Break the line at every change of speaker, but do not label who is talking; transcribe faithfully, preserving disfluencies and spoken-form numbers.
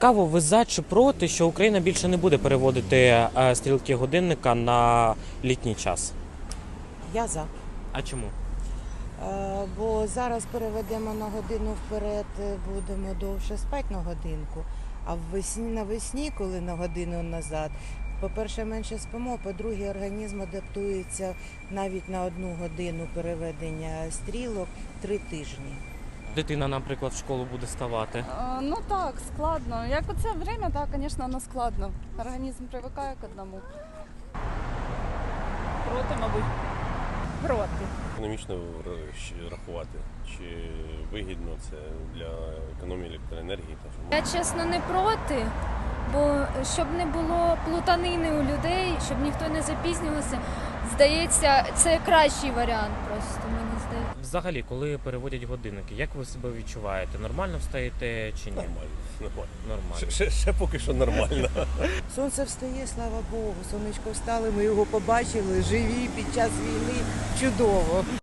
Цікаво, ви за чи проти, що Україна більше не буде переводити е, стрілки годинника на літній час?
Я за.
А чому?
Е, Бо зараз переведемо на годину вперед, е, будемо довше спати на годинку. А ввесні, навесні, коли на годину назад, по-перше, менше спимо, по-друге, організм адаптується навіть на одну годину переведення стрілок три тижні.
Дитина, наприклад, в школу буде ставати.
А, Ну так, складно. Як у це время, так, звісно, воно складно. Організм привикає к одному. Проти, мабуть. Проти.
Економічно рахувати, чи вигідно це для економії електроенергії.
Я, чесно, не проти, бо щоб не було плутанини у людей, щоб ніхто не запізнювався, здається, це кращий варіант просто, мені здається.
Взагалі, коли переводять годинники, як ви себе відчуваєте? Нормально встаєте чи ні?
Нормально, нормально.
Нормально.
Ще, ще, ще поки що нормально.
Сонце встає, слава Богу, сонечко встали, ми його побачили, живі під час війни, чудово.